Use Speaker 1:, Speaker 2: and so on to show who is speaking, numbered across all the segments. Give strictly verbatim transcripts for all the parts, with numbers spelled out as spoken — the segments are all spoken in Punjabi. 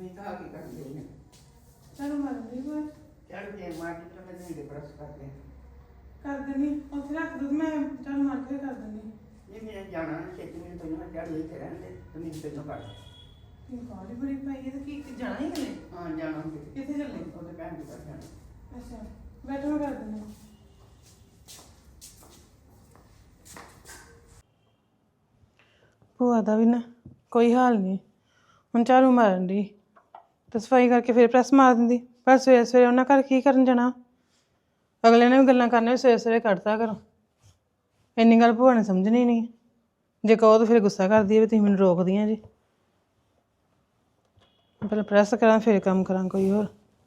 Speaker 1: नहीं तो आगे कर देने
Speaker 2: चलो मर गई बात
Speaker 1: चल दे मार के तो मैं नहीं ब्रश कर दे
Speaker 2: कर देनी और फिर रख दो मैं चल मार के कर देनी
Speaker 1: ये मैंने जाना ना खेती में तो मैं चल लेते रहने तो मैं पे तो कर
Speaker 2: ये गाड़ी बड़ी पाई है तो की जाना ही है
Speaker 1: हां जाना है
Speaker 2: किथे चलने
Speaker 1: वो तो काम कर जाना
Speaker 2: अच्छा बैठो मैं कर देनी ਭੂਆ ਦਾ ਵੀ ਨਾ ਕੋਈ ਹਾਲ ਨਹੀਂ ਹੁਣ ਝਾੜੂ ਮਾਰਨ ਦੀ ਤੇ ਸਫਾਈ ਕਰਕੇ ਫਿਰ ਪ੍ਰੈਸ ਮਾਰ ਦਿੰਦੀ ਪਰ ਸਵੇਰੇ ਸਵੇਰੇ ਉਹਨਾਂ ਘਰ ਕੀ ਕਰਨ ਜਾਣਾ ਅਗਲੇ ਨੇ ਵੀ ਗੱਲਾਂ ਕਰਨੀਆਂ ਸਵੇਰੇ ਸਵੇਰੇ ਕੱਢਤਾ ਕਰੋ ਇੰਨੀ ਗੱਲ ਭੂਆ ਨੇ ਸਮਝਣੀ ਨਹੀਂ ਜੇ ਕਹੋ ਤਾਂ ਫਿਰ ਗੁੱਸਾ ਕਰਦੀ ਹੈ ਵੀ ਤੁਸੀਂ ਮੈਨੂੰ ਰੋਕਦੀਆਂ ਜੀ ਪਹਿਲਾਂ ਪ੍ਰੈਸ ਕਰਾਂ ਫਿਰ ਕੰਮ ਕਰਾਂ ਕੋਈ ਹੋਰ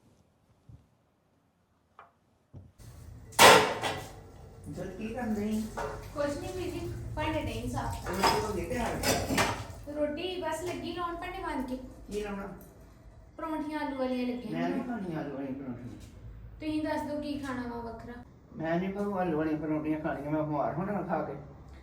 Speaker 1: जल की कर नहीं
Speaker 3: कुछ नहीं बीजी भांडे नहीं साफ
Speaker 1: रोटी को देते हैं
Speaker 3: रोटी बस लगी लाउन भांडे मान के
Speaker 1: ये लाना
Speaker 3: परौंठियां आलू वाली लगी
Speaker 1: मैं नहीं खानी आलू वाली पराठे
Speaker 3: ਤੁਸੀਂ ਦੱਸ ਦਿਓ ਕੀ ਖਾਣਾ ਵਾ ਵੱਖਰਾ
Speaker 1: मैं नहीं भाव आलू वाली पराठियां खानी मैं बिमार होना खा के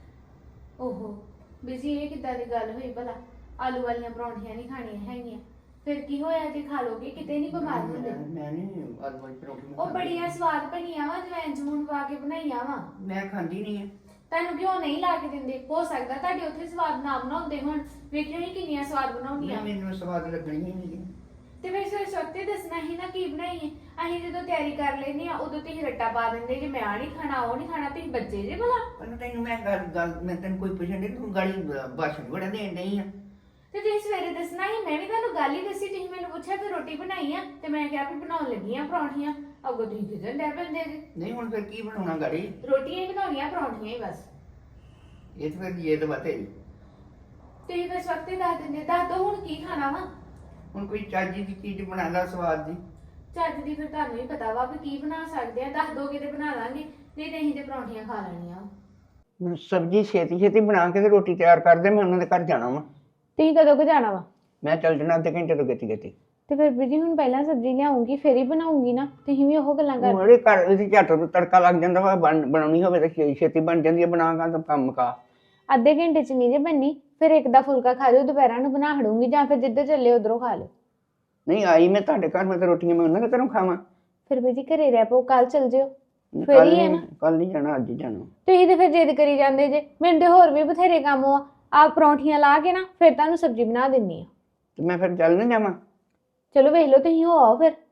Speaker 3: ਓਹੋ ਬੀਜੀ ਇਹ ਕਿੱਦਾਂ ਦੀ ਗੱਲ ਹੋਈ ਭਲਾ ਆਲੂ ਵਾਲੀਆਂ ਪਰੌਂਠੀਆਂ ਨਹੀਂ ਖਾਣੀਆਂ ਹੈਗੀਆਂ ਫਿਰ ਕੀ ਹੋਇਆ ਜੇ ਖਾ ਲੋਗੇ ਕਿਤੇ ਨਹੀਂ ਬਿਮਾਰ ਹੁੰਦੇ
Speaker 1: मैं नहीं आलू वाली पराठे
Speaker 3: ਉਹ ਬੜੀਆਂ ਸਵਾਦ ਬਣੀਆਂ ਵਾ ਜਵੈਨ ਜੂਨ ਪਾ ਕੇ ਬਣਾਈਆਂ ਵਾ
Speaker 1: मैं खांदी नहीं है
Speaker 3: ਤੁਹਾਨੂੰ ਕਿਉਂ ਨਹੀਂ ਲਾ ਕੇ ਦਿੰਦੇ ਹੋ ਸਕਦਾ ਤੁਹਾਡੇ ਉੱਥੇ ਸਵਾਦ ਨਾ ਬਣਾਉਂਦੇ ਹੁਣ ਵੇਖਿਓ ਹੀ ਕਿੰਨੀਆਂ ਸਵਾਦ ਬਣਾਉਂਦੀਆਂ
Speaker 1: ਮੈਨੂੰ ਸਵਾਦ ਲੱਗਣੀ ਹੀ ਨਹੀਂ
Speaker 3: ਤੇ ਫਿਰ ਸਵੇਰੇ ਸਵਖਤੇ ਦੱਸਣਾ ਹੀ ਨਾ ਕੀ ਬਣਾਈਏ ਅਸੀਂ ਜਦੋਂ ਤਿਆਰੀ ਕਰ ਲੈਨੇ ਆ ਉਦੋਂ ਤੁਸੀਂ ਰੱਟਾ ਪਾ ਦਿੰਦੇ ਜੇ ਮੈਂ ਆ ਨਹੀਂ ਖਾਣਾ ਉਹ ਨਹੀਂ ਖਾਣਾ ਤੁਸੀਂ ਬੱਚੇ ਜੇ ਭਲਾ
Speaker 1: ਪਰ ਤੈਨੂੰ ਮੈਂ ਗੱਲ ਗੱਲ ਮੈਂ ਤੈਨੂੰ ਕੋਈ ਪੁੱਛਣ ਨਹੀਂ ਤੂੰ ਗਾਲੀ ਭਾਸ਼ਣ ਬੜਾ ਦੇਣ ਨਹੀਂ ਆ
Speaker 3: ਤੇ ਤੁਸੀਂ ਸਵੇਰੇ ਦੱਸਣਾ ਹੀ ਮੈਂ ਵੀ ਤੁਹਾਨੂੰ ਗੱਲ ਹੀ ਦੱਸੀ ਤੁਸੀਂ ਮੈਨੂੰ ਪੁੱਛਿਆ ਕਿ ਰੋਟੀ ਬਣਾਈ ਆ ਤੇ ਮੈਂ ਕਿਹਾ ਵੀ ਬਣਾਉਣ ਲੱਗੀ ਆ ਪਰੌਂਠੀਆਂ ਅੱਗੋਂ ਤੁਸੀਂ ਕਿਹਦੇ ਲੈ ਪੈਂਦੇ ਜੇ
Speaker 1: ਨਹੀਂ ਹੁਣ ਫਿਰ ਕੀ ਬਣਾਉਣਾ ਗਾੜੀ
Speaker 3: ਰੋਟੀਆਂ ਹੀ ਬਣਾਉਣੀਆਂ ਪਰੌਂਠੀਆਂ ਹੀ ਬਸ
Speaker 1: ਇਹ ਤਾਂ ਫਿਰ ਇਹ ਤਾਂ ਬਤੇ
Speaker 3: ਤੁਸੀਂ ਫਿਰ ਸਵਖਤੇ ਦੱਸ ਦਿੰਦੇ ਦੱਸ ਦੋ ਹੁਣ ਕੀ ਖਾਣਾ ਵਾ
Speaker 1: ਹੁਣ ਕੋਈ ਚਾਜੀ ਦੀ ਚੀਜ਼ ਬਣਾ ਲਾ ਸਵਾਦ ਦੀ
Speaker 3: ਚੱਜ ਦੀ ਫਿਰ ਤੁਹਾਨੂੰ ਵੀ ਪਤਾ ਵਾ ਵੀ ਕੀ ਬਣਾ ਸਕਦੇ ਆ ਦੱਸ ਦੋਗੇ ਤੇ ਬਣਾ ਲਾਂਗੇ ਨਹੀਂ ਤੇ ਅਸੀਂ ਤੇ ਪਰੌਂਠੀਆਂ ਖਾ ਲੈਣੀਆਂ
Speaker 1: ਮੈਂ ਸਬਜ਼ੀ ਛੇਤੀ ਛੇਤੀ ਬਣਾ ਕੇ ਤੇ ਰੋਟੀ ਤਿਆਰ ਕਰ ਦੇ ਮੈਂ ਉਹਨਾਂ ਦੇ ਘਰ ਜਾਣਾ ਵਾ
Speaker 3: ਤੁਸੀਂ ਕਦੋਂ ਕੁ ਜਾਣਾ ਵਾ
Speaker 1: ਮੈਂ ਚੱਲ ਜਾਣਾ ਅੱਧੇ ਘੰਟੇ ਤੋਂ ਗਤੀ ਗਤੀ
Speaker 3: ਤੇ ਫਿਰ ਬੀਜੀ ਹੁਣ ਪਹਿਲਾਂ ਸਬਜ਼ੀ ਲਿਆਉਂਗੀ ਫਿਰ ਹੀ ਬਣਾਉਂਗੀ ਨਾ ਤੁਸੀਂ ਵੀ ਉਹ ਗੱਲਾਂ ਕਰ
Speaker 1: ਮੇਰੇ ਘਰ ਇਹਦੀ ਝੱਟ ਤੋਂ ਤੜਕਾ ਲੱਗ ਜਾਂਦਾ ਵਾ ਬਣ- ਬਣਾਉਣੀ ਹੋਵੇ ਤਾਂ ਛੇ- ਛੇਤੀ ਬਣ ਜਾਂਦੀ ਹੈ ਬਣਾ ਕੇ ਤਾਂ ਕੰਮ ਮੁਕਾ
Speaker 3: ਅੱਧੇ ਘੰਟੇ ਚ ਨਹੀਂ ਜੇ ਬੰਨੀ ਫਿਰ ਇੱਕ ਦਾ ਫੁਲਕਾ ਖਾ ਲਿਓ ਦੁਪਹਿਰਾਂ ਨੂੰ ਬਣਾ ਹੜੂੰਗੀ ਜਾਂ ਫਿਰ ਜਿੱਧਰ ਚੱਲੇ ਉਧਰੋਂ ਖਾ ਲਿਓ
Speaker 1: ਨਹੀਂ ਆਈ ਮੈਂ ਤੁਹਾਡੇ ਘਰ ਮੈਂ ਤਾਂ ਰੋਟੀਆਂ ਮੈਂ ਉਹਨਾਂ ਦੇ ਘਰੋਂ ਖਾਵਾਂ
Speaker 3: ਫਿਰ ਬੀਜੀ ਘਰੇ ਰਹਿ ਪਓ ਕੱਲ ਚੱਲ ਜਿਓ ਫਿਰ ਹੀ ਹੈ ਨਾ
Speaker 1: ਕੱਲ ਨਹੀਂ ਜਾਣਾ ਅੱਜ ਹੀ ਜਾਣਾ
Speaker 3: ਤੁਸੀਂ ਤੇ ਫਿਰ ਜਿੱਦ ਕਰੀ ਜਾਂਦੇ ਜੇ ਮੈਨੂੰ ਤੇ ਹੋਰ ਵੀ ਬਥੇਰੇ ਕੰਮ ਆ ਆ ਪਰੌਂਠੀਆਂ ਲਾ ਕੇ ਨਾ ਫਿਰ ਤੁਹਾਨੂੰ ਸਬਜ਼ੀ ਬਣਾ ਦਿੰਨੀ ਆ
Speaker 1: ਤੇ ਮੈਂ ਫਿਰ ਚੱਲ ਨਾ ਜਾਵਾਂ
Speaker 3: ਚਲੋ ਵੇਖ ਲਓ ਤੁਸੀਂ ਹੋ ਆਓ ਫਿਰ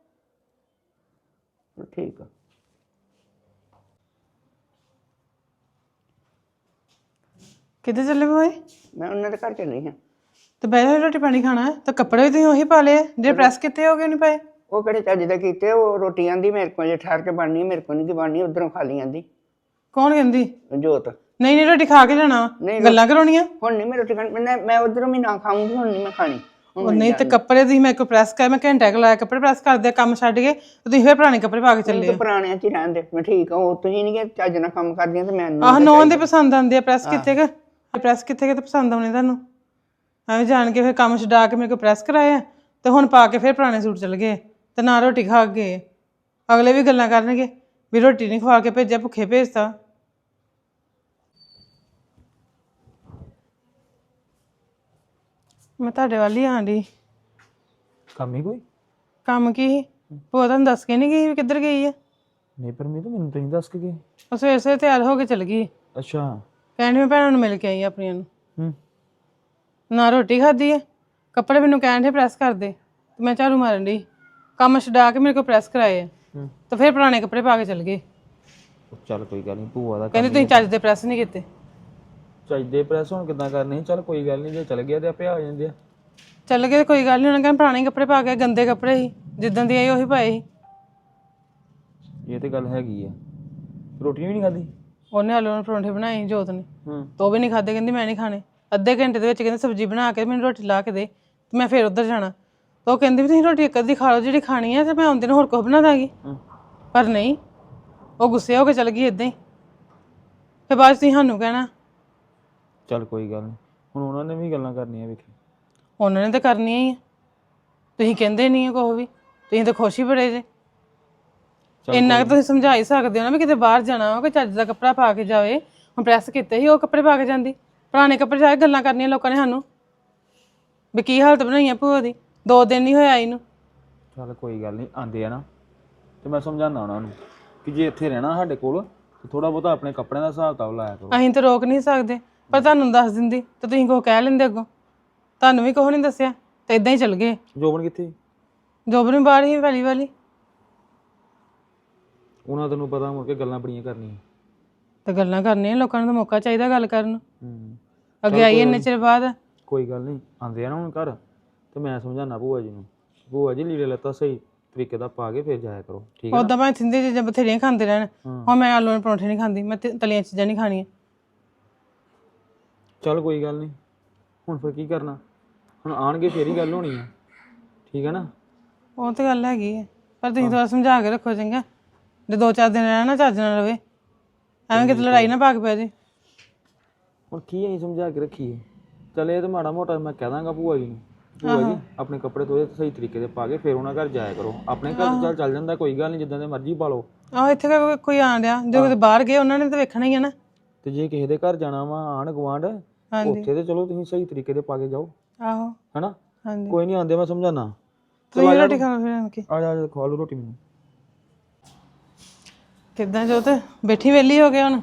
Speaker 1: ਠੀਕ ਆ
Speaker 2: ਕਿੱਥੇ ਚੱਲੇ ਬੋਏ
Speaker 1: ਮੈਂ ਉਹਨਾਂ ਦੇ ਘਰ ਚੱਲੀ ਹਾਂ
Speaker 2: ਤੇ ਬੈਠੇ ਰੋਟੀ ਪਾਣੀ ਖਾਣਾ ਹੈ ਤਾਂ ਕੱਪੜੇ ਵੀ ਤੁਸੀਂ ਉਹੀ ਪਾ ਲਏ ਜੇ ਪ੍ਰੈਸ ਕਿੱਥੇ ਹੋ ਗਏ ਨਹੀਂ ਪਾਏ
Speaker 1: ਉਹ ਕਿਹੜੇ ਚੱਜ ਦਾ ਕੀਤੇ ਉਹ ਰੋਟੀ ਆਂਦੀ ਮੇਰੇ ਕੋਲ ਜੇ ਠਹਿਰ ਕੇ ਬਣਨੀ ਮੇਰੇ ਕੋਲ ਨਹੀਂ ਕੀ ਬਣਨੀ ਉਧਰੋਂ ਖਾ ਲਈ ਆਂਦੀ
Speaker 2: ਕੌਣ ਕਹਿੰਦੀ
Speaker 1: ਜੋਤ
Speaker 2: ਨਹੀਂ ਨਹੀਂ ਰੋਟੀ ਖਾ ਕੇ ਜਾਣਾ
Speaker 1: ਨਹੀਂ,
Speaker 2: ਗੱਲਾਂ ਕਰਾਉਣੀਆਂ
Speaker 1: ਹੁਣ ਨਹੀਂ ਮੈਂ ਰੋਟੀ ਖਾਣੀ ਮੈਂ ਮੈਂ ਉਧਰੋਂ ਵੀ ਨਾ ਖਾਊਂਗੀ ਹੁਣ ਨਹੀਂ ਮੈਂ ਖਾਣੀ ਹੁਣ
Speaker 2: ਉਹ
Speaker 1: ਮੈਂ
Speaker 2: ਨਹੀਂ ਤੇ
Speaker 1: ਜਾਣਾ।
Speaker 2: ਕੱਪੜੇ ਤੁਸੀਂ ਮੇਰੇ ਕੋਲ ਪ੍ਰੈਸ ਕਰ ਮੈਂ ਘੰਟਾ ਕੁ ਲਾਇਆ ਕੱਪੜੇ ਪ੍ਰੈਸ ਕਰਦੇ ਕੰਮ ਛੱਡ ਕੇ ਤੇ ਤੁਸੀਂ ਫਿਰ ਪੁਰਾਣੇ ਕੱਪੜੇ ਪਾ ਕੇ ਚੱਲੇ
Speaker 1: ਤੂੰ ਪੁਰਾਣਿਆਂ ਚ ਹੀ ਰਹਿਣ ਦੇ ਮੈਂ ਠੀਕ ਆ ਉਹ ਤੁਸੀਂ ਨਹੀਂ ਕਿ ਚੱਜ ਨਾਲ ਕੰਮ ਕਰਦੀਆਂ ਤੇ ਮੈਨੂੰ
Speaker 2: ਆਹ ਨੌਂ ਦੇ ਪਸੰਦ ਆਉਂਦੇ ਆ ਪ੍ਰੈਸ ਕਿੱਥੇ ਕਿ ਪ੍ਰੈਸ ਕਿੱਥੇ ਕਿ ਤੇ ਪਸੰਦ ਆਉਣੇ ਤੁਹਾਨੂੰ ਐਵੇਂ ਜਾਣ ਕੇ ਫਿਰ ਕੰਮ ਛਡਾ ਕੇ ਮੇਰੇ ਕੋਲ ਪ੍ਰੈਸ ਕਰਾਏ ਆ ਤੇ ਹੁਣ ਪਾ ਕੇ ਫਿਰ ਪੁਰਾਣੇ ਸੂਟ ਚੱਲ ਗਏ ਤੇ ਨਾ ਰੋਟੀ ਖਾ ਕੇ ਗਏ ਅਗਲੇ ਵੀ ਗੱਲਾਂ ਕਰਨਗੇ ਵੀ ਰੋਟੀ ਨਹੀਂ ਖਵਾ ਕੇ ਭੇਜਿਆ ਭੁੱਖੇ ਭੇਜਤਾ ਮੈਂ ਤੁਹਾਡੇ ਵੱਲ ਹੀ ਆਣ ਡਈ
Speaker 4: ਕੰਮ ਹੀ ਕੋਈ
Speaker 2: ਕੰਮ ਕੀ ਸੀ ਉਹ ਤੁਹਾਨੂੰ ਦੱਸ ਕੇ ਨਹੀਂ ਗਈ ਵੀ ਕਿੱਧਰ ਗਈ ਆ
Speaker 4: ਨਹੀਂ ਪਰ ਮੈਨੂੰ ਮੈਨੂੰ ਤਾਂ ਨਹੀਂ ਦੱਸ ਕੇ ਗਏ
Speaker 2: ਉਹ ਸਵੇਰੇ ਸਵੇਰੇ ਤਿਆਰ ਹੋ ਕੇ ਚਲ ਗਈ
Speaker 4: ਅੱਛਾ
Speaker 2: ਕਹਿੰਦੀ ਮੈਂ ਭੈਣਾਂ ਨੂੰ ਮਿਲ ਕੇ ਆਈ ਆਪਣੀਆਂ ਨੂੰ
Speaker 4: ਹੂੰ
Speaker 2: ਨਾ ਰੋਟੀ ਖਾਧੀ ਆ ਕੱਪੜੇ ਮੈਨੂੰ ਕਹਿਣ ਦੇ ਪ੍ਰੈਸ ਕਰ ਦੇ ਤੇ ਮੈਂ ਝਾੜੂ ਮਾਰਨ ਡਈ ਕੰਮ ਛਡਾ ਕੇ ਮੇਰੇ ਕੋਲ ਪ੍ਰੈਸ ਕਰਾਏ ਆ
Speaker 4: ਹੂੰ
Speaker 2: ਤੇ ਫਿਰ ਪੁਰਾਣੇ ਕੱਪੜੇ ਪਾ ਕੇ ਚਲ ਗਏ
Speaker 4: ਚੱਲ ਕੋਈ ਗੱਲ ਨਹੀਂ ਭੂਆ ਦਾ
Speaker 2: ਕਹਿੰਦੇ ਤੁਸੀਂ ਚੱਜ ਦੇ ਪ੍ਰੈਸ ਨਹੀਂ ਕੀਤੇ
Speaker 4: ਚਾਹੀਦੇ ਪ੍ਰੈਸ ਹੁਣ ਕਿੱਦਾਂ ਕਰਨੀ ਚੱਲ ਕੋਈ ਗੱਲ ਨਹੀਂ ਜੇ ਚੱਲ ਗਿਆ ਤੇ ਆਪੇ ਆ ਜਾਂਦੇ ਆ
Speaker 2: ਚੱਲ ਗਏ ਕੋਈ ਗੱਲ ਨਹੀਂ ਉਹਨਾਂ ਕਹਿੰਦੇ ਪੁਰਾਣੇ ਕੱਪੜੇ ਪਾ ਕੇ ਗੰਦੇ ਕੱਪੜੇ ਸੀ ਜਿੱਦਾਂ ਦੀ ਆਈ ਉਹੀ ਪਾਏ ਸੀ
Speaker 4: ਇਹ ਤੇ ਗੱਲ ਹੈਗੀ ਆ ਰੋਟੀ ਵੀ ਨਹੀਂ ਖਾਧੀ
Speaker 2: ਉਹਨੇ ਆਲੂ ਨਾਲ ਪਰੌਂਠੇ ਬਣਾਏ ਜੋਤ ਨੇ
Speaker 4: ਹੂੰ
Speaker 2: ਤੇ ਉਹ ਵੀ ਨਹੀਂ ਖਾਦੇ ਕਹਿੰਦੀ ਮੈਂ ਨਹੀਂ ਖਾਣੇ ਅੱਧੇ ਘੰਟੇ ਦੇ ਵਿੱਚ ਕਹਿੰਦੇ ਸਬਜ਼ੀ ਬਣਾ ਕੇ ਮੈਨੂੰ ਰੋਟੀ ਲਾ ਕੇ ਦੇ ਤੇ ਮੈਂ ਫਿਰ ਉੱਧਰ ਜਾਣਾ ਤੇ ਉਹ ਕਹਿੰਦੀ ਵੀ ਤੁਸੀਂ ਰੋਟੀ ਇੱਕ ਅੱਧੀ ਖਾ ਲਓ ਜਿਹੜੀ ਖਾਣੀ ਹੈ ਤੇ ਮੈਂ ਆਉਂਦੇ ਨੂੰ ਹੋਰ ਕੁਝ ਬਣਾ ਦਾਂਗੀ
Speaker 4: ਹੂੰ
Speaker 2: ਪਰ ਨਹੀਂ ਉਹ ਗੁੱਸੇ ਹੋ ਕੇ ਚਲ ਗਈ ਇਦਾਂ ਹੀ ਫਿਰ ਬਾਅਦ 'ਚ ਤੁਸੀਂ ਸਾਨੂੰ ਕਹਿਣਾ
Speaker 4: ਚੱਲ ਕੋਈ ਗੱਲ ਨਹੀਂ ਹੁਣ ਉਹਨਾਂ ਨੇ ਵੀ ਗੱਲਾਂ ਕਰਨੀਆਂ ਵੇਖੀ
Speaker 2: ਉਹਨਾਂ ਨੇ ਤਾਂ ਕਰਨੀਆਂ ਹੀ ਆ ਤੁਸੀਂ ਕਹਿੰਦੇ ਨਹੀਂ ਆ ਕੁਛ ਵੀ ਤੁਸੀਂ ਤਾਂ ਖੁਸ਼ ਹੀ ਬੜੇ ਜੇ ਇੰਨਾ ਕੁ ਤੁਸੀਂ ਸਮਝਾ ਹੀ ਸਕਦੇ ਹੋ ਨਾ ਵੀ ਕਿਤੇ ਬਾਹਰ ਜਾਣਾ ਵਾ ਕੋਈ ਚੱਜ ਦਾ ਕੱਪੜਾ ਪਾ ਕੇ ਜਾਵੇ ਹੁਣ ਪ੍ਰੈਸ ਕੀਤੇ ਸੀ ਉਹ ਕੱਪੜੇ ਪਾ ਕੇ ਜਾਂਦੀ ਪੁਰਾਣੇ ਕੱਪੜੇ ਜਾ ਕੇ ਗੱਲਾਂ ਕਰਨੀਆਂ ਲੋਕਾਂ ਨੇ ਸਾਨੂੰ ਵੀ ਕੀ ਹਾਲਤ ਬਣਾਈ ਆ ਭੂਆ ਦੀ ਦੋ ਦਿਨ ਨਹੀਂ ਹੋਇਆ ਇਹਨੂੰ।
Speaker 4: ਚੱਲ ਕੋਈ ਗੱਲ ਨਹੀਂ, ਆਂਦੇ ਆ ਨਾ ਤੇ ਮੈਂ ਸਮਝਾਉਂਦਾ ਉਹਨਾਂ ਨੂੰ ਕਿ ਜੇ ਇੱਥੇ ਰਹਿਣਾ ਸਾਡੇ ਕੋਲ ਤੇ ਥੋੜਾ ਬਹੁਤਾ ਆਪਣੇ ਕੱਪੜਿਆਂ ਦਾ ਹਿਸਾਬ ਕਿਤਾਬ ਲਾਇਆ ਕਰੋ।
Speaker 2: ਅਸੀਂ ਤਾਂ ਰੋਕ ਨਹੀਂ ਸਕਦੇ, ਪਰ ਤੁਹਾਨੂੰ ਦੱਸ ਦਿੰਦੀ ਤੇ ਤੁਸੀਂ ਕੁਛ ਕਹਿ ਲੈਂਦੇ ਅੱਗੋਂ। ਤੁਹਾਨੂੰ ਵੀ ਕੁਛ ਨਹੀਂ ਦੱਸਿਆ ਤੇ ਇਦਾਂ ਹੀ ਚਲ ਗਏ।
Speaker 4: ਜੋਬਨ ਕਿੱਥੇ?
Speaker 2: ਜੋਬਨ ਵੀ ਬਾਹਰ ਹੀ ਪਹਿਲੀ ਵਾਲੀ।
Speaker 4: ਉਹਨਾਂ ਤੈਨੂੰ ਪਤਾ ਮੁੜ ਕੇ ਗੱਲਾਂ ਬੜੀਆਂ ਕਰਨੀਆਂ
Speaker 2: ਤੇ ਗੱਲਾਂ ਕਰਨੀਆਂ, ਲੋਕਾਂ ਨੂੰ ਤਾਂ ਮੌਕਾ ਚਾਹੀਦਾ ਗੱਲ ਕਰਨ ਨੂੰ।
Speaker 4: ਹੂੰ
Speaker 2: ਅੱਗੇ ਆਈ ਇੰਨੇ ਚਿਰ ਬਾਅਦ।
Speaker 4: ਕੋਈ ਗੱਲ ਨਹੀਂ, ਆਂਦੇ ਆ ਨਾ ਹੁਣ ਘਰ ਤੇ ਮੈਂ ਸਮਝਾਉਣਾ ਭੂਆ ਜੀ ਨੂੰ, ਭੂਆ ਜੀ ਲੀੜੇ ਲੱਤਾ ਸਹੀ ਤਰੀਕੇ ਦਾ ਪਾ ਕੇ ਫਿਰ ਜਾਇਆ ਕਰੋ, ਠੀਕ ਹੈ?
Speaker 2: ਉਦਾਂ ਭਾਵੇਂ ਥਿੰਦੇ ਚੀਜ਼ਾਂ ਬਥੇਰੀਆਂ ਖਾਂਦੇ ਰਹਿਣ। ਹੁਣ ਮੈਂ ਆਲੂ ਦੇ ਪਰੌਂਠੇ ਨਹੀਂ ਖਾਂਦੀ, ਮੈਂ ਤ- ਤਲੀਆਂ ਚੀਜ਼ਾਂ ਨਹੀਂ ਖਾਣੀਆਂ।
Speaker 4: ਚੱਲ ਕੋਈ ਗੱਲ ਨਹੀਂ, ਹੁਣ ਫਿਰ ਕੀ ਕਰਨਾ? ਹੁਣ ਆਣਗੇ ਫੇਰ ਹੀ ਗੱਲ ਹੋਣੀ ਆ, ਠੀਕ ਹੈ ਨਾ?
Speaker 2: ਉਹ ਤਾਂ ਗੱਲ ਹੈਗੀ ਹੈ, ਪਰ ਤੁਸੀਂ ਥੋੜਾ ਸਮਝਾ ਕੇ ਰੱਖੋ ਚੰਗਾ। ਜੇ ਦੋ ਚਾਰ ਦਿਨ ਰਹਿਣਾ ਚੱਜ ਨਾਲ ਰਵੇ, ਐਵੇਂ ਕਿਤੇ ਲੜਾਈ ਨਾ ਪਾ ਕੇ ਪੈ ਜੇ।
Speaker 4: ਹੁਣ ਕੀ ਅਸੀਂ ਸਮਝਾ ਕੇ ਰੱਖੀਏ? ਚੱਲ ਇਹ ਤਾਂ ਮਾੜਾ ਮੋਟਾ ਮੈਂ ਕਹਿ ਦਾਂਗਾ ਭੂਆ ਜੀ ਨੂੰ, ਭੂਆ ਜੀ ਆਪਣੇ ਕੱਪੜੇ ਧੋਏ ਸਹੀ ਤਰੀਕੇ ਦੇ ਪਾ ਕੇ ਫਿਰ ਉਹਨਾਂ ਘਰ ਜਾਇਆ ਕਰੋ। ਆਪਣੇ ਘਰ ਚੱਲ ਚੱਲ ਜਾਂਦਾ, ਕੋਈ ਗੱਲ ਨਹੀਂ, ਜਿੱਦਾਂ ਦੇ ਮਰਜ਼ੀ ਪਾ ਲਓ।
Speaker 2: ਆਹੋ ਇੱਥੇ ਕੋਈ ਕੋਈ ਆਣ ਡਿਆ, ਜੋ ਕਿਤੇ ਬਾਹਰ ਗਏ ਉਹਨਾਂ ਨੇ ਤਾਂ ਵੇਖਣਾ ਹੀ ਹੈ ਨਾ।
Speaker 4: ਤੇ ਜੇ ਕਿਸੇ ਦੇ ਘਰ ਜਾਣਾ ਵਾ ਆਂਢ ਗੁਆਂਢ, ਉੱਥੇ ਤੇ ਚਲੋ ਤੁਸੀਂ ਸਹੀ ਤਰੀਕੇ ਦੇ ਪਾ ਕੇ ਜਾਓ,
Speaker 2: ਆਹੋ
Speaker 4: ਹੈਨਾ?
Speaker 2: ਹਾਂਜੀ।
Speaker 4: ਕੋਈ ਨਹੀਂ, ਆਂਦੇ ਮੈਂ ਸਮਝਾਣਾ।
Speaker 2: ਤੁਸੀਂ ਰੋਟੀ ਖਾ ਲਓ ਫਿਰ ਆਣ ਕੇ।
Speaker 4: ਆ ਜਾ ਖਵਾ ਲਓ ਰੋਟੀ ਮੈਨੂੰ।
Speaker 2: ਕਿੱਦਾਂ ਜੋਤ ਬੈਠੀ ਵਿਹਲੀ ਹੋ ਗਿਆ ਹੁਣ?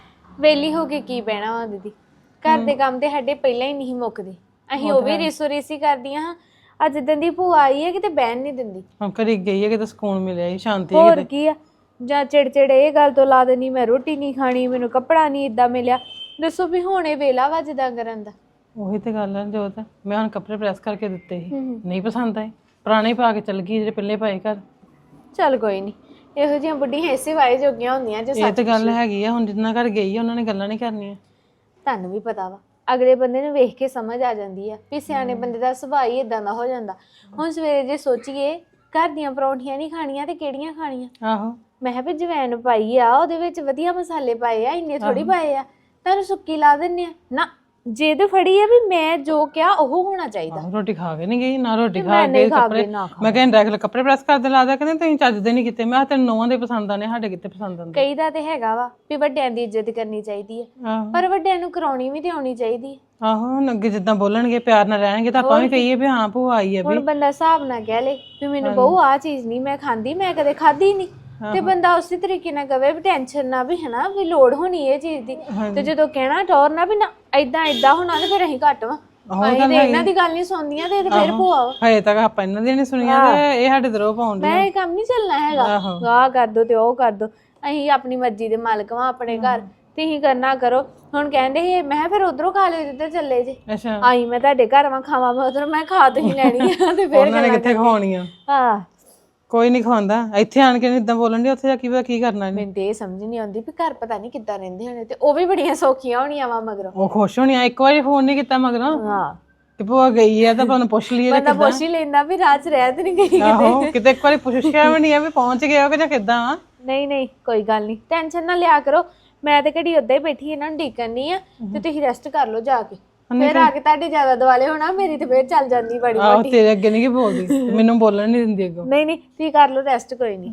Speaker 3: ਵੇਲੀ ਹੋ ਕੇ ਕੀ ਬਹਿਣਾ ਵਾ ਦੀਦੀ, ਘਰ ਦੇ ਕੰਮ ਤੇ ਸਾਡੇ ਪਹਿਲਾਂ ਹੀ ਨਹੀਂ ਮੁੱਕਦੇ। ਅਸੀਂ ਉਹ ਵੀ ਰੇਸੋ ਰੇਸੀ ਕਰਦੀਆਂ ਹਾਂ। ਅੱਜ ਜਿੱਦਾਂ ਦੀ ਭੂਆ ਆਈ ਹੈ ਕਿਤੇ ਬਹਿਣ ਨਹੀਂ ਦਿੰਦੀ।
Speaker 2: ਹੁਣ ਘਰੀ ਗਈ ਹੈ ਕਿਤੇ ਸਕੂਨ ਮਿਲਿਆ ਹੀ, ਸ਼ਾਂਤੀ
Speaker 3: ਹੋਰ ਕੀ ਆ, ਜਾਂ ਚਿੜਚਿੜ ਇਹ ਗੱਲ ਤੋਂ ਲਾ ਦੇਣੀ ਮੈਂ ਰੋਟੀ ਨਹੀਂ ਖਾਣੀ, ਮੈਨੂੰ ਕੱਪੜਾ ਨਹੀਂ ਇਦਾਂ ਮਿਲਿਆ। ਦੱਸੋ ਵੀ ਹੁਣ ਇਹ ਵੇਲਾ ਵਾ ਜਿੱਦਾਂ ਕਰਨ ਦਾ।
Speaker 2: ਉਹੀ ਤੇ ਗੱਲ ਹੈ ਜੋਤ, ਮੈਂ ਹੁਣ ਕੱਪੜੇ ਪ੍ਰੈਸ ਕਰਕੇ ਦਿੱਤੇ ਸੀ, ਨਹੀਂ ਪਸੰਦ ਆਏ, ਪੁਰਾਣੇ ਪਾ ਕੇ ਚਲ ਗਈ ਜਿਹੜੇ ਪਹਿਲੇ ਪਾਏ ਘਰ।
Speaker 3: ਚੱਲ ਕੋਈ ਨਹੀਂ, ਇਹੋ ਜਿਹੀਆਂ ਬੁੱਢੀਆਂ ਇਸੇ ਵਾਏ ਜੋਗੀਆਂ ਹੁੰਦੀਆਂ। ਜੇ
Speaker 2: ਇਹ ਤੇ ਗੱਲ ਹੈਗੀ ਆ, ਹੁਣ ਜਿੰਨਾ ਘਰ ਗਈ ਆ ਉਹਨਾਂ ਨੇ ਗੱਲਾਂ ਨਹੀਂ ਕਰਨੀਆਂ।
Speaker 3: ਤੁਹਾਨੂੰ ਵੀ ਪਤਾ ਵਾ, ਅਗਲੇ ਬੰਦੇ ਨੂੰ ਵੇਖ ਕੇ ਸਮਝ ਆ ਜਾਂਦੀ ਆ ਵੀ ਸਿਆਣੇ ਬੰਦੇ ਦਾ ਸੁਭਾਅ ਹੀ ਇਦਾਂ ਦਾ ਹੋ ਜਾਂਦਾ। ਹੁਣ ਸਵੇਰੇ ਜੇ ਸੋਚੀਏ ਘਰ ਦੀਆਂ ਪਰੌਂਠੀਆਂ ਨਹੀਂ ਖਾਣੀਆਂ ਤੇ ਕਿਹੜੀਆਂ ਖਾਣੀਆਂ?
Speaker 2: ਆਹੋ
Speaker 3: ਮੈਂ ਕਿਹਾ ਵੀ ਜਵੈਣ ਪਾਈ ਆ, ਉਹਦੇ ਵਿੱਚ ਵਧੀਆ ਮਸਾਲੇ ਪਾਏ ਆ, ਇੰਨੇ ਥੋੜੀ ਪਾਏ ਆ, ਤੁਹਾਨੂੰ ਸੁੱਕੀ ਲਾ ਦਿੰਨੇ ਆ ਨਾ। ਜਿੱਦ ਫੜੀ ਆ ਵੀ ਮੈਂ ਜੋ ਕਿਹਾ ਉਹ ਹੋਣਾ ਚਾਹੀਦਾ।
Speaker 2: ਆਹੋ, ਰੋਟੀ ਖਾ ਕੇ ਨਹੀਂ ਗਈ ਨਾ, ਰੋਟੀ ਖਾ
Speaker 3: ਮੈਂ
Speaker 2: ਕੇ
Speaker 3: ਨਹੀਂ ਖਾ
Speaker 2: ਕੱਪੜੇ
Speaker 3: ਕੇ ਨਾ ਖਾ।
Speaker 2: ਮੈਂ ਕਹਿੰਦਾ ਰੈਗੂਲਰ ਕੱਪੜੇ ਪ੍ਰੈਸ ਕਰਦੇ ਲਾਦਾ, ਕਹਿੰਦੇ ਤੁਸੀਂ ਚੱਜ ਦੇ ਨਹੀਂ ਕੀਤੇ। ਮੈਂ ਕਿਹਾ ਤੈਨੂੰ ਨੌਵਾਂ ਦੇ ਪਸੰਦ ਆਨੇ, ਸਾਡੇ ਕਿਤੇ ਪਸੰਦ ਆਉਂਦੇ।
Speaker 3: ਕਈ ਦਾ ਤੇ ਹੈਗਾ ਵਾ ਵੀ ਵੱਡਿਆਂ ਦੀ ਇੱਜ਼ਤ ਕਰਨੀ ਚਾਹੀਦੀ ਹੈ,
Speaker 2: ਆਹੋ
Speaker 3: ਪਰ ਵੱਡਿਆਂ ਨੂੰ ਕਰਾਉਣੀ ਵੀ ਤੇ ਆਉਣੀ ਚਾਹੀਦੀ ਹੈ।
Speaker 2: ਆਹੋ ਹੁਣ ਅੱਗੇ ਜਿੱਦਾਂ ਬੋਲਣਗੇ ਪਿਆਰ ਨਾਲ ਰਹਿਣਗੇ ਤਾਂ ਆਪਾਂ ਵੀ ਕਹੀਏ ਵੀ ਹਾਂ ਭੂਆ ਆਈ ਹੈ ਵੀ।
Speaker 3: ਹੁਣ ਬੰਦਾ ਹਿਸਾਬ ਨਾਲ ਕਹਿ ਲੇ ਵੀ ਮੈਨੂੰ ਬਹੂ ਆ ਚੀਜ਼ ਨਹੀਂ ਮੈਂ ਖਾਂਦੀ, ਮੈਂ ਕਦੇ ਖਾਧੀ ਨਹੀਂ, ਤੇ ਬੰਦਾ ਉਸੇ ਤਰੀਕੇ ਨਾਲ ਕਵੇ ਵੀ ਟੈਨਸ਼ਨ ਨਾ ਵੀ ਹਨਾ ਵੀ ਲੋੜ ਹੋਣੀ ਇਹ ਚੀਜ਼ ਦੀ। ਤੇ ਜਦੋਂ ਕਹਿਣਾ ਟੌਰ ਨਾ ਵੀ ਨਾ ਏਦਾਂ ਏਦਾਂ ਹੋਣਾ ਤੇ ਫਿਰ ਅਸੀਂ ਘੱਟ ਵਾ, ਅਸੀਂ ਤੇ ਇਹਨਾਂ ਦੀ ਗੱਲ ਨਹੀਂ ਸੁਣਦੀਆਂ ਤੇ ਫਿਰ ਭੂਆ ਵਾ।
Speaker 2: ਹਜੇ ਤੱਕ ਆਪਾਂ ਇਹਨਾਂ ਦੀਆਂ ਨਹੀਂ ਸੁਣੀਆਂ ਤੇ ਇਹ ਸਾਡੇ ਦਰੋਂ ਪਾਉਂਦੇ।
Speaker 3: ਮੈਂ ਇਹ ਕੰਮ ਨਹੀਂ ਚੱਲਣਾ ਹੈਗਾ, ਆਹ ਕਰ ਦੋ ਤੇ ਉਹ ਕਰ ਦੋ। ਅਸੀਂ ਆਪਣੀ ਮਰਜ਼ੀ ਦੇ ਮਾਲਕ ਵਾਂ ਆਪਣੇ ਘਰ, ਤੁਸੀਂ ਕਰਨਾ ਕਰੋ। ਹੁਣ ਕਹਿੰਦੇ ਸੀ ਮੈਂ ਫਿਰ ਉਧਰੋਂ ਖਾ ਲਿਓ ਜਿੱਧਰ ਚੱਲੇ ਜੇ।
Speaker 2: ਅੱਛਾ
Speaker 3: ਆਈ ਮੈਂ ਤੁਹਾਡੇ ਘਰ ਵਾਂ ਖਾਵਾਂ ਮੈਂ ਉਧਰ, ਮੈਂ ਖਾ ਤੁਸੀਂ ਲੈਣੀ ਆ ਤੇ ਫਿਰ
Speaker 2: ਉਹਨਾਂ ਨੇ ਕਿੱਥੇ ਖਵਾਉਣੀਆਂ?
Speaker 3: ਹਾਂ
Speaker 2: ਕੋਈ ਨਹੀਂ ਖਵਾਉਂਦਾ, ਇੱਥੇ ਆਣ ਕੇ ਇਦਾਂ ਬੋਲਣ ਦੀ, ਉੱਥੇ ਜਾ ਕੇ ਪਤਾ ਕੀ ਕਰਨਾ ਇਹਨੇ।
Speaker 3: ਮੈਨੂੰ ਤੇ ਇਹ ਸਮਝ ਨਹੀਂ ਆਉਂਦੀ ਵੀ ਘਰ ਪਤਾ ਨਹੀਂ ਕਿੱਦਾਂ ਰਹਿੰਦੇ ਹੋਣੇ, ਤੇ ਉਹ ਵੀ ਬੜੀਆਂ ਸੌਖੀਆਂ ਹੋਣੀਆਂ ਵਾ ਮਗਰੋਂ।
Speaker 2: ਉਹ ਖੁਸ਼ ਹੋਣੀ ਆ, ਇੱਕ ਵਾਰੀ ਫੋਨ ਨਹੀਂ ਕੀਤਾ ਮਗਰੋਂ
Speaker 3: ਹਾਂ
Speaker 2: ਕਿ ਭੂਆ ਗਈ ਆ ਤਾਂ ਆਪਾਂ ਨੂੰ ਪੁੱਛ ਲਈਏ।
Speaker 3: ਬੰਦਾ ਪੁੱਛ ਹੀ ਲੈਂਦਾ ਵੀ ਰਾਤ ਰਹਿ ਤੇ ਨਹੀਂ ਗਈ।
Speaker 2: ਆਹੋ ਕਿਤੇ ਇੱਕ ਵਾਰੀ ਪੁੱਛਿਆ ਵੀ ਨਹੀਂ ਆ ਵੀ ਪਹੁੰਚ ਗਏ ਹੋ ਕਿ ਜਾਂ ਕਿੱਦਾਂ ਆ।
Speaker 3: ਨਹੀਂ ਨਹੀਂ ਕੋਈ ਗੱਲ ਨਹੀਂ, ਟੈਨਸ਼ਨ ਨਾ ਲਿਆ ਕਰੋ। ਮੈਂ ਤੇ ਘੜੀ ਉੱਦਾਂ ਹੀ ਬੈਠੀ ਇਹਨਾਂ ਨੂੰ ਡੀਕਣੀ ਆ, ਤੇ ਤੁਸੀਂ ਰੈਸਟ ਕਰ ਲਓ ਜਾ ਕੇ। ਫਿਰ ਆ ਕੇ ਤੁਹਾਡੇ ਜ਼ਿਆਦਾ ਦਿਵਾਲੇ ਹੋਣਾ, ਮੇਰੀ ਤੇ ਫੇਰ ਚੱਲ ਜਾਂਦੀ ਬੜੀ
Speaker 2: ਆਹੋ
Speaker 3: ਵੱਡੀ।
Speaker 2: ਤੇਰੇ ਅੱਗੇ ਨਹੀਂ ਕੀ ਬੋਲਦੀ, ਮੈਨੂੰ ਬੋਲਣ ਨਹੀਂ ਦਿੰਦੀ ਅੱਗੋਂ।
Speaker 3: ਨਹੀਂ ਨਹੀਂ ਤੁਸੀਂ ਕਰ ਲਓ ਰੈਸਟ, ਕੋਈ ਨਹੀਂ।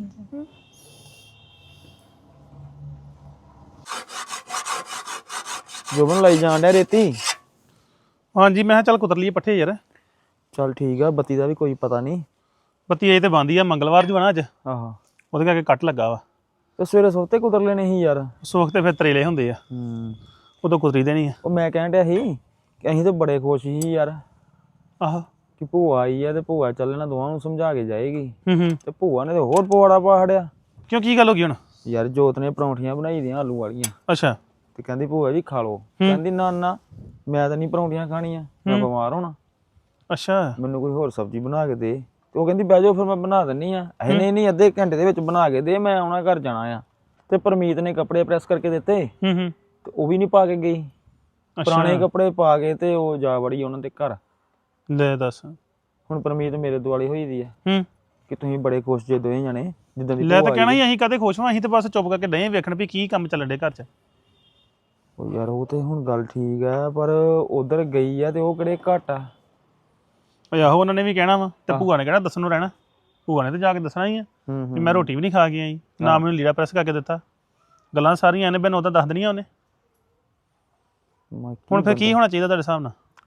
Speaker 4: ਜੋਬਨ ਲਾਈ ਜਾਣ ਡਿਆ ਰੇਤੀ।
Speaker 5: ਹਾਂਜੀ ਮੈਂ ਕਿਹਾ ਚੱਲ ਕੁਤਰ ਲਈਏ ਪੱਠੇ ਯਾਰ।
Speaker 4: ਚੱਲ ਠੀਕ ਆ, ਬੱਤੀ ਦਾ ਵੀ ਕੋਈ ਪਤਾ ਨਹੀਂ।
Speaker 5: ਬੱਤੀ ਇਹ ਤੇ ਬੰਦੀ ਆ, ਮੰਗਲਵਾਰ ਜੂ ਨਾ ਅੱਜ,
Speaker 4: ਆਹੋ
Speaker 5: ਉਹਦੇ ਕਰਕੇ ਕੱਟ ਲੱਗਾ ਵਾ।
Speaker 4: ਤੇ ਸਵੇਰੇ ਸੋਤੇ ਕੁਤਰ ਲੈਣੇ ਸੀ ਯਾਰ।
Speaker 5: ਸੋਖ ਤੇ ਫਿਰ ਤਰੇਲੇ ਹੁੰਦੇ ਆ,
Speaker 4: ਹੂੰ
Speaker 5: ਉਦੋਂ ਕੁਤਰੀ ਦੇ ਨਹੀਂ ਆ।
Speaker 4: ਉਹ ਮੈਂ ਕਹਿਣ ਡਿਆ ਸੀ ਕਿ ਅਸੀਂ ਤਾਂ ਬੜੇ ਖੁਸ਼ ਸੀ ਯਾਰ
Speaker 5: ਆਹੋ
Speaker 4: ਕਿ ਭੂਆ ਆਈ ਆ ਤੇ ਭੂਆ ਚੱਲਣਾ ਦੋਵਾਂ ਨੂੰ ਸਮਝਾ ਕੇ ਜਾਏਗੀ,
Speaker 5: ਹੂੰ ਹੂੰ
Speaker 4: ਤੇ ਭੂਆ ਨੇ ਤੇ ਹੋਰ ਪਵਾੜਾ ਪਾ ਛੜਿਆ
Speaker 5: ਕਿਉਂ, ਕੀ ਗੱਲ ਹੋ ਗਈ ਹੁਣ?
Speaker 4: ਯਾਰ ਜੋਤ ਨੇ ਪਰੌਂਠੀਆਂ ਬਣਾਈ ਦੀਆਂ ਆਲੂ ਵਾਲੀਆਂ,
Speaker 5: ਅੱਛਾ
Speaker 4: ਤੇ ਕਹਿੰਦੀ ਭੂਆ ਜੀ ਖਾ ਲਓ। ਕਹਿੰਦੀ ਨਾ ਨਾ ਮੈਂ ਤਾਂ ਨਹੀਂ ਪਰੌਂਠੀਆਂ ਖਾਣੀਆਂ, ਮੈਂ ਬਿਮਾਰ ਹੋਣਾ,
Speaker 5: ਅੱਛਾ
Speaker 4: ਮੈਨੂੰ ਕੋਈ ਹੋਰ ਸਬਜ਼ੀ ਬਣਾ ਕੇ ਦੇ। ਤੇ ਉਹ ਕਹਿੰਦੀ ਬਹਿ ਜਾਓ ਫਿਰ ਮੈਂ ਬਣਾ ਦਿੰਨੀ ਆ। ਇਹ ਨਹੀਂ ਨਹੀਂ ਅੱਧੇ ਘੰਟੇ ਦੇ ਵਿੱਚ ਬਣਾ ਕੇ ਦੇ, ਮੈਂ ਆਉਣਾ ਘਰ ਜਾਣਾ ਆ। ਤੇ ਪਰਮੀਤ ਨੇ ਕੱਪੜੇ ਪ੍ਰੈਸ ਕਰਕੇ ਦਿੱਤੇ
Speaker 5: ਹੂੰ ਹੂੰ
Speaker 4: ਤੇ ਉਹ ਵੀ ਨਹੀਂ ਪਾ ਕੇ ਗਈ, ਪੁਰਾਣੇ ਕੱਪੜੇ ਪਾ ਕੇ ਤੇ ਉਹ ਜਾ ਵੜੀ ਉਹਨਾਂ ਦੇ ਘਰ।
Speaker 5: ਲੈ ਦੱਸ।
Speaker 4: ਹੁਣ ਪਰਮੀਤ ਮੇਰੇ ਦੁਆਲੇ ਹੋਈ ਦੀ ਆ
Speaker 5: ਹੂੰ
Speaker 4: ਕਿ ਤੁਸੀਂ ਬੜੇ ਖੁਸ਼ ਜੇ ਦੋਵੇਂ ਜਣੇ ਜਿੱਦਾਂ ਦੀ
Speaker 5: ਲੈ ਤਾਂ ਕਹਿਣਾ ਹੀ ਅਸੀਂ ਕਦੇ ਖੁਸ਼ ਹਾਂ, ਅਸੀਂ ਤੇ ਬਸ ਚੁੱਪ ਕਰਕੇ ਡਏ ਵੇਖਣ ਵੀ ਕੀ ਕੰਮ ਚੱਲਣ ਡੇ ਘਰ 'ਚ।
Speaker 4: ਉਹ ਯਾਰ ਉਹ ਤੇ ਹੁਣ ਗੱਲ ਠੀਕ ਆ, ਪਰ ਉਧਰ ਗਈ ਆ ਤੇ ਉਹ ਕਿਹੜੇ ਘੱਟ ਆ।
Speaker 5: ਓਏ ਆਹੋ ਉਹਨਾਂ ਨੇ ਵੀ ਕਹਿਣਾ ਵਾ, ਤੇ ਭੂਆ ਨੇ ਕਹਿਣਾ ਦੱਸਣ ਨੂੰ ਰਹਿਣਾ। ਭੂਆ ਨੇ ਤੇ ਜਾ ਕੇ ਦੱਸਣਾ ਹੀ ਆ ਵੀ ਮੈਂ ਰੋਟੀ ਵੀ ਨਹੀਂ ਖਾ ਕੇ ਆਈ, ਨਾ ਮੈਨੂੰ ਲੀੜਾ ਪ੍ਰੈਸ ਕਰਕੇ ਦਿੱਤਾ। ਗੱਲਾਂ ਸਾਰੀਆਂ ਇਹਨੇ ਬੈਨ ਉਹਦਾ ਦੱਸ ਦੇਣੀਆਂ ਉਹਨੇ। ਹੁਣ ਫਿਰ ਕੀ ਹੋਣਾ ਚਾਹੀਦਾ ਤੁਹਾਡੇ ਹਿਸਾਬ ਨਾਲ?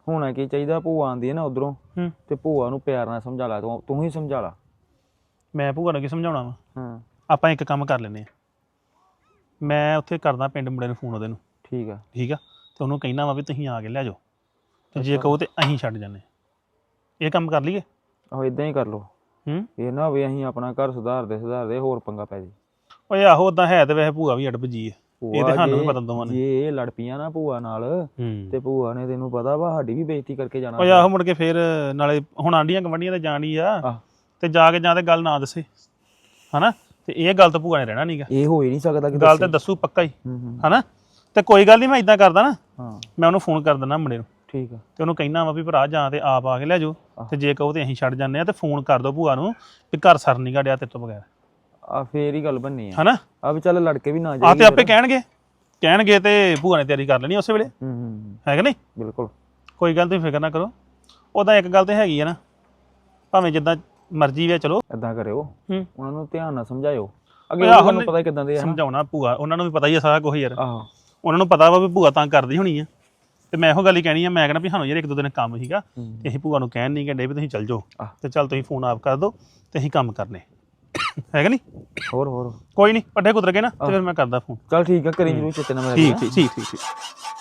Speaker 4: ਹੋਣਾ ਕੀ ਚਾਹੀਦਾ, ਭੂਆ ਆਂਦੀ ਹੈ ਨਾ ਉਧਰੋਂ
Speaker 5: ਹੂੰ
Speaker 4: ਤੇ ਭੂਆ ਨੂੰ ਪਿਆਰ ਨਾਲ ਸਮਝਾ ਲਾ, ਤੂੰ ਤੂੰ ਹੀ ਸਮਝਾ ਲਾ।
Speaker 5: ਮੈਂ ਭੂਆ ਨੂੰ ਕੀ ਸਮਝਾਉਣਾ ਵਾ?
Speaker 4: ਹਾਂ
Speaker 5: ਆਪਾਂ ਇੱਕ ਕੰਮ ਕਰ ਲੈਨੇ ਆ, ਮੈਂ ਉੱਥੇ ਕਰਦਾ ਪਿੰਡ ਮੁੰਡੇ ਨੂੰ ਫੋਨ ਉਹਦੇ ਨੂੰ,
Speaker 4: ਠੀਕ ਆ।
Speaker 5: ਠੀਕ ਆ, ਤੇ ਉਹਨੂੰ ਕਹਿਣਾ ਵਾ ਵੀ ਤੁਸੀਂ ਆ ਕੇ ਲੈ ਜਾਓ, ਤੇ ਜੇ ਕਹੋ ਤੇ ਅਸੀਂ ਛੱਡ ਜਾਂਦੇ। ਇਹ ਕੰਮ ਕਰ ਲਈਏ?
Speaker 4: ਆਹੋ ਇਦਾਂ ਹੀ ਕਰ ਲੋ।
Speaker 5: ਹੂੰ
Speaker 4: ਇਹ ਨਾ ਹੋਵੇ ਅਸੀਂ ਆਪਣਾ ਘਰ ਸੁਧਾਰਦੇ ਸੁਧਾਰਦੇ ਹੋਰ ਪੰਗਾ ਪੈ ਜੇ।
Speaker 5: ਓਏ ਆਹੋ ਉਦਾਂ ਹੈ ਤੇ ਵੈਸੇ ਭੂਆ ਵੀ ਅੜਬ ਜੀ ਆ, ਇਹ ਤੇ ਸਾਨੂੰ ਵੀ ਪਤਾ ਦੋਵਾਂ ਨੇ।
Speaker 4: ਜੇ ਇਹ ਲੜ ਪਈਆਂ ਨਾ ਭੂਆ ਨਾਲ
Speaker 5: ਹੂੰ
Speaker 4: ਤੇ ਭੂਆ ਨੇ ਤੈਨੂੰ ਪਤਾ ਵਾ ਸਾਡੀ ਵੀ ਬੇਇੱਜ਼ਤੀ ਕਰਕੇ ਜਾਣਾ।
Speaker 5: ਓਏ ਆਹੋ ਮੁੜ ਕੇ ਫੇਰ ਨਾਲੇ ਹੁਣ ਆਂਢੀਆਂ ਗਵਾਂਢੀਆਂ ਤੇ ਜਾਣੀ ਆ,
Speaker 4: ਆਹ
Speaker 5: ਤੇ ਜਾ ਕੇ ਜਾਂ ਤੇ ਗੱਲ ਨਾ ਦੱਸੇ ਹਨਾ, ਤੇ ਇਹ ਗੱਲ ਤਾਂ ਭੂਆ ਨੇ ਰਹਿਣਾ ਨਹੀਂਗਾ,
Speaker 4: ਇਹ ਹੋ ਹੀ ਨਹੀਂ ਸਕਦਾ ਕਿ
Speaker 5: ਗੱਲ ਤੇ ਦੱਸੂ ਪੱਕਾ ਹੀ
Speaker 4: ਹੂੰ ਹੂੰ
Speaker 5: ਹਨਾ। ਤੇ ਕੋਈ ਗੱਲ ਨਹੀਂ, ਮੈਂ ਇਦਾਂ ਕਰਦਾ ਨਾ,
Speaker 4: ਹਾਂ
Speaker 5: ਮੈਂ ਉਹਨੂੰ ਫੋਨ ਕਰ ਦਿੰਦਾ ਮੁੰਡੇ ਨੂੰ,
Speaker 4: ਠੀਕ ਆ।
Speaker 5: ਤੇ ਉਹਨੂੰ ਕਹਿਣਾ ਵਾ ਵੀ ਭਰਾ ਜਾਂ ਤੇ ਆਪ ਆ ਕੇ ਲੈ ਜਾਓ, ਤੇ ਜੇ ਕਹੋ ਤੇ ਅਸੀਂ ਛੱਡ ਜਾਂਦੇ ਆ, ਤੇ ਫੋਨ ਕਰ ਦੋ ਭੂਆ ਨੂੰ ਵੀ ਘਰ ਸਰ ਨਹੀਂ ਗੜਿਆ ਤੇਰੇ ਤੋਂ ਬਗੈਰ,
Speaker 4: ਆ ਫੇਰ ਹੀ ਗੱਲ ਬਣਨੀ ਆ
Speaker 5: ਹਨਾ।
Speaker 4: ਆ ਵੀ ਚੱਲ ਲੜਕੇ ਵੀ ਨਾ
Speaker 5: ਆ
Speaker 4: ਜਾਈਏ
Speaker 5: ਤੇ ਆਪੇ ਕਹਿਣਗੇ ਕਹਿਣਗੇ ਤੇ ਭੂਆ ਨੇ ਤਿਆਰੀ ਕਰ ਲੈਣੀ ਉਸੇ ਵੇਲੇ,
Speaker 4: ਹੂੰ ਹੂੰ
Speaker 5: ਹੈ ਕਿ ਨਹੀਂ?
Speaker 4: ਬਿਲਕੁਲ।
Speaker 5: ਕੋਈ ਗੱਲ ਤੁਸੀਂ ਫਿਕਰ ਨਾ ਕਰੋ। ਉਹਦਾ ਇੱਕ ਗੱਲ ਤੇ ਹੈਗੀ ਆ ਨਾ, ਭਾਵੇਂ ਜਿੱਦਾਂ ਮਰਜ਼ੀ ਵੇ ਚਲੋ,
Speaker 4: ਏਦਾਂ ਕਰਿਓ,
Speaker 5: ਹੂੰ
Speaker 4: ਉਹਨਾਂ ਨੂੰ ਧਿਆਨ ਨਾਲ ਸਮਝਾਇਓ। ਅੱਗੇ
Speaker 5: ਆਹੋ
Speaker 4: ਤੁਹਾਨੂੰ ਪਤਾ ਕਿਦਾਂ ਦੇ ਆ।
Speaker 5: ਸਮਝਾਉਣਾ ਭੂਆ, ਉਹਨਾਂ ਨੂੰ ਵੀ ਪਤਾ ਹੀ ਆ ਸਾਰਾ ਕੁਝ ਯਾਰ,
Speaker 4: ਆਹੋ
Speaker 5: ਉਹਨਾਂ ਨੂੰ ਪਤਾ ਵਾ ਵੀ ਭੂਆ ਤਾਂ ਕਰਦੀ ਹੋਣੀ ਆ। ਤੇ ਮੈਂ ਇਹੋ ਗੱਲ ਹੀ ਕਹਿਣੀ ਆ, ਮੈਂ ਕਹਿਣਾ ਵੀ ਸਾਨੂੰ ਯਾਰ ਇੱਕ ਦੋ ਦਿਨ ਕੰਮ ਸੀਗਾ, ਤੇ ਅਸੀਂ ਭੂਆ ਨੂੰ ਕਹਿਣ ਨਹੀਂ ਕਹਿੰਦੇ ਵੀ ਤੁਸੀਂ ਚੱਲ ਜਾਓ,
Speaker 4: ਆਹ।
Speaker 5: ਤੇ ਚੱਲ ਤੁਸੀਂ ਫੋਨ ਆਪ ਕਰ ਦਿਓ ਤੇ ਅਸੀਂ ਕੰਮ ਕਰਨੇ, ਹੈਗਾ ਨਹੀਂ?
Speaker 4: ਹੋਰ ਹੋਰ
Speaker 5: ਕੋਈ ਨਹੀਂ, ਪੱਠੇ ਕੁਤਰ ਕੇ ਨਾ ਤੇ ਫਿਰ ਮੈਂ ਕਰਦਾ ਫੋਨ।
Speaker 4: ਚੱਲ ਠੀਕ ਆ, ਕਰੀ ਜਰੂਰ ਚੇਤੇ ਨਾਲ।
Speaker 5: ਠੀਕ ਠੀਕ ਠੀਕ ਠੀਕ।